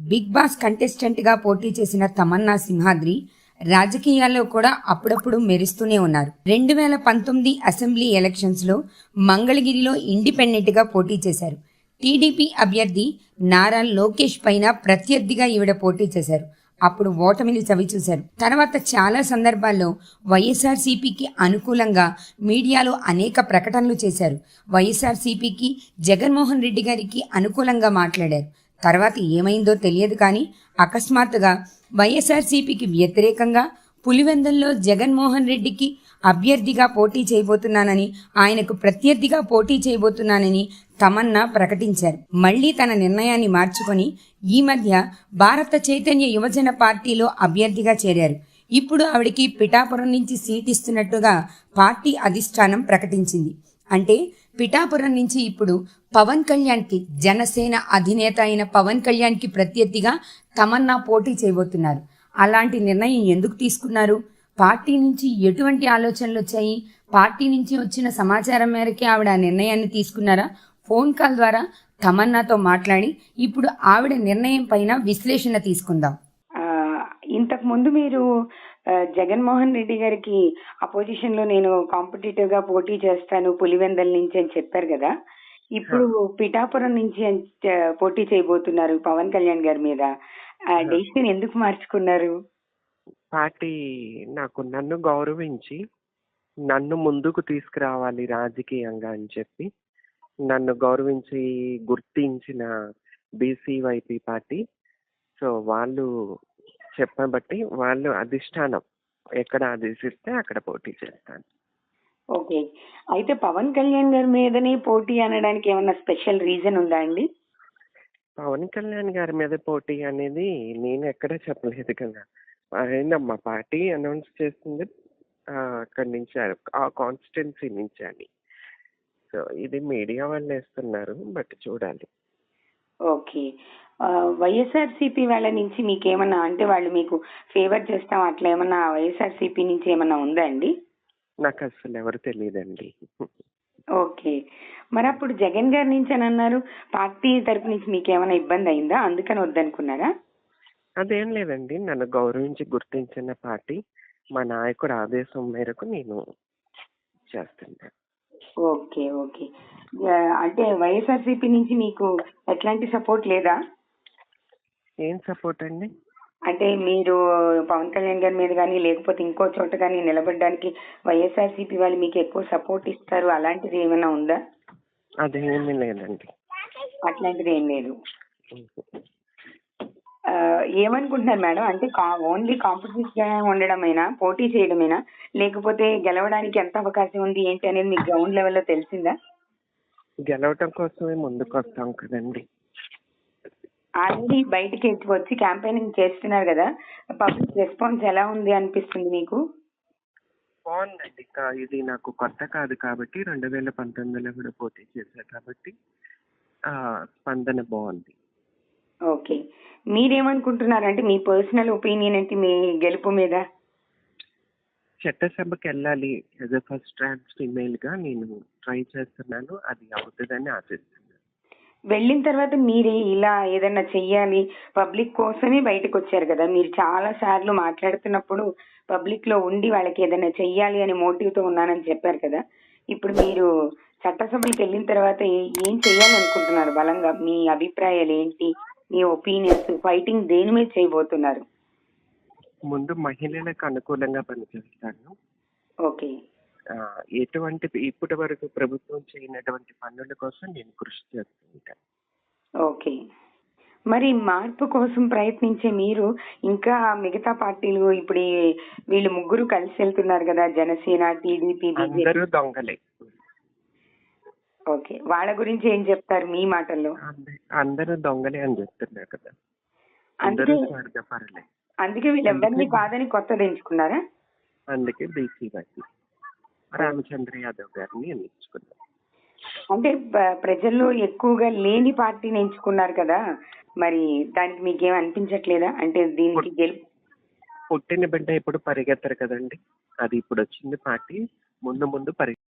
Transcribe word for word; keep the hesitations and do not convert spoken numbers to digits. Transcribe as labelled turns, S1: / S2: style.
S1: Big boss కంటెస్టెంట్గా పోటీ చేసిన తమన్నా సింహాద్రి రాజకీయాల్లో కూడా అప్పుడప్పుడు మెరుస్తూనే ఉన్నారు. రెండు వేల పంతొమ్మిది అసెంబ్లీ ఎలక్షన్స్లో మంగళగిరిలో ఇండిపెండెంట్గా పోటీ చేశారు. టీడీపీ అభ్యర్థి నారా లోకేష్ పైన ప్రత్యర్థిగా ఈవిడ పోటీ చేశారు. అప్పుడు ఓటమిని చవిచూశారు. తర్వాత చాలా సందర్భాల్లో వైఎస్ఆర్సీపీకి అనుకూలంగా మీడియాలో అనేక ప్రకటనలు చేశారు. వైఎస్ఆర్సీపీకి జగన్మోహన్ రెడ్డి గారికి అనుకూలంగా మాట్లాడారు. తర్వాత ఏమైందో తెలియదు కానీ అకస్మాత్తుగా వైఎస్ఆర్సీపీకి వ్యతిరేకంగా పులివెందుల్లో జగన్మోహన్ రెడ్డికి అభ్యర్థిగా పోటీ చేయబోతున్నానని, ఆయనకు ప్రత్యర్థిగా పోటీ చేయబోతున్నానని తమన్నా ప్రకటించారు. మళ్లీ తన నిర్ణయాన్ని మార్చుకొని ఈ మధ్య భారత చైతన్య యువజన పార్టీలో అభ్యర్థిగా చేరారు. ఇప్పుడు ఆవిడికి పిఠాపురం నుంచి సీట్ ఇస్తున్నట్టుగా పార్టీ అధిష్టానం ప్రకటించింది. అంటే పిఠాపురం నుంచి ఇప్పుడు పవన్ కళ్యాణ్కి, జనసేన అధినేత అయిన పవన్ కళ్యాణ్కి ప్రత్యర్థిగా తమన్నా పోటీ చేయబోతున్నారు. అలాంటి నిర్ణయం ఎందుకు తీసుకున్నారు? పార్టీ నుంచి ఎటువంటి ఆలోచనలు వచ్చాయి? పార్టీ నుంచి వచ్చిన సమాచారం మేరకే ఆవిడ ఆ నిర్ణయాన్ని తీసుకున్నారా? ఫోన్ కాల్ ద్వారా తమన్నాతో మాట్లాడి ఇప్పుడు ఆవిడ నిర్ణయం పైన విశ్లేషణ తీసుకుందాం.
S2: ఇంతకు ముందు మీరు జగన్మోహన్ రెడ్డి గారికి అపోజిషన్ లో నేను కాంపిటేటివ్ గా పోటీ చేస్తాను పులివెందల నుంచి అని చెప్పారు కదా. ఇప్పుడు పిఠాపురం నుంచి పోటీ చేయబోతున్నారు పవన్ కళ్యాణ్ గారి మీద. డెసిషన్ ఎందుకు మార్చుకున్నారు?
S3: పార్టీ నాకు నన్ను గౌరవించి నన్ను ముందుకు తీసుకురావాలి రాజకీయంగా అని చెప్పి నన్ను గౌరవించి గుర్తించిన బీసీవైపీ పార్టీ. సో వాళ్ళు చెప్పబట్టి వాళ్ళు అధిష్టానం ఎక్కడ ఆదేశిస్తే అక్కడ పోటీ చేస్తాను.
S2: ఓకే, అయితే పవన్ కళ్యాణ్ గారి మీదనే పోటీ అనడానికి ఏమన్నా స్పెషల్ రీజన్ ఉందా అండి?
S3: పవన్ కళ్యాణ్ గారి మీద పోటీ అనేది నేను ఎక్కడ చెప్పలేదు కదా. ఆయన మా పార్టీ అనౌన్స్ చేస్తుంది అక్కడి నుంచి, ఆ కాన్స్టిట్యున్సీ నుంచి అని. సో ఇది మీడియా వాళ్ళు వేస్తున్నారు, బట్ చూడాలి.
S2: ఓకే, వైఎస్ఆర్సీపీ వాళ్ళ నుంచి మీకేమన్నా, అంటే వాళ్ళు మీకు ఫేవర్ చేస్తాం అట్లా ఏమన్నా వైఎస్ఆర్సీపీ నుంచి ఏమన్నా ఉందా అండి?
S3: నాకు అసలు ఎవరు తెలియదండి.
S2: ఓకే, మరి అప్పుడు జగన్ గారి నుంచి అని అన్నారు, పార్టీ తరపు నుంచి మీకేమైనా ఇబ్బంది అయిందా, అందుకని వద్దనుకున్నారా?
S3: అదేం లేదండి, నన్ను గౌరవించి గుర్తించిన పార్టీ, మా నాయకుడు ఆదేశం మేరకు నేను చేస్తున్నాను.
S2: ఓకే ఓకే, అంటే వైఎస్ఆర్సీపీ నుంచి మీకు ఎట్లాంటి సపోర్ట్ లేదా?
S3: ఏం సపోర్ట్ అండి?
S2: అంటే మీరు పవన్ కళ్యాణ్ గారి మీద కానీ లేకపోతే ఇంకో చోట కానీ నిలబడడానికి వైఎస్ఆర్సీపీ వాళ్ళు మీకు ఎక్కువ సపోర్ట్ ఇస్తారు, అలాంటిది ఏమైనా ఉందా?
S3: అదేమీ లేదండి.
S2: అట్లాంటిది ఏం లేదు. ఏమనుకుంటున్నారు మేడం, అంటే ఓన్లీ కాంపిటీషన్ గా ఉండడమేనా, పోటీ చేయడమేనా, లేకపోతే గెలవడానికి ఎంత అవకాశం ఉంది ఏంటి అనేది మీకు గ్రౌండ్ లెవెల్లో తెలిసిందా?
S3: గెలవటం కోసమే ముందుకు వస్తాం కదండి.
S2: ఆల్రెడీ బయటికి వచ్చి క్యాంపెయినింగ్ చేస్తున్నారు కదా, పబ్లిక్ రెస్పాన్స్ ఎలా ఉంది అనిపిస్తుంది మీకు?
S3: బాగుందండి, ఇది నాకు కొత్త కాదు కాబట్టి, రెండు వేల పంతొమ్మిదిలో కూడా పోటీ చేశారు కాబట్టి స్పందన బాగుంది.
S2: ఓకే, మీరేమనుకుంటున్నారంటే మీ పర్సనల్ ఒపీనియన్ ఏంటి మీ గెలుపు మీద?
S3: చట్టసభకి వెళ్ళాలి, as a first trans female గా నేను ట్రై చేస్తున్నాను, అది అవుతుందని ఆశిస్తున్నాను.
S2: వెళ్ళిన తర్వాత మీరు ఇలా ఏదైనా చెయ్యాలి, పబ్లిక్ కోసమే బయటకు వచ్చారు కదా, మీరు చాలా సార్లు మాట్లాడుతున్నప్పుడు పబ్లిక్ లో ఉండి వాళ్ళకి ఏదైనా చెయ్యాలి అని మోటివ్ తో ఉన్నానని చెప్పారు కదా. ఇప్పుడు మీరు చట్టసభలకు వెళ్ళిన తర్వాత ఏం చెయ్యాలి అనుకుంటున్నారు బలంగా? మీ అభిప్రాయాలు ఏంటి, మీ ఒపీనియన్స్, ఫైటింగ్ దేని మీద చేయబోతున్నారు?
S3: ముందు మహిళలకు అనుకూలంగా పనిచేస్తాను.
S2: ఓకే,
S3: ఎటువంటి ఇప్పటి వరకు ప్రభుత్వం చేయనటువంటి పనుల కోసం నేను కృషి చేస్తుంటాను.
S2: ఓకే, మరి మార్పు కోసం ప్రయత్నించే మీరు ఇంకా మిగతా పార్టీలు, ఇప్పుడు వీళ్ళు ముగ్గురు కలిసి వెళ్తున్నారు కదా, జనసేన, టీడీపీ,
S3: అందరూ దొంగలే.
S2: ఓకే, వాళ్ళ గురించి ఏం చెప్తారు మీ మాటల్లో?
S3: అందరూ దొంగలే అని చెప్తున్నారు కదా.
S2: అందుకే అందుకే వీళ్ళు ఎవరిని కాదని కొత్తది ఎంచుకున్నారా?
S3: అందుకే బీసీ పార్టీ రామచంద్ర యాదవ్ గారిని ఎంచుకున్నారు.
S2: అంటే ప్రజల్లో ఎక్కువగా లేని పార్టీని ఎంచుకున్నారు కదా, మరి దానికి మీకేం అనిపించట్లేదా? అంటే దీనికి గెలుపు,
S3: పుట్టిన బిడ్డ ఇప్పుడు పరిగెత్తరు కదండి, అది ఇప్పుడు వచ్చింది పార్టీ, ముందు ముందు పరిగె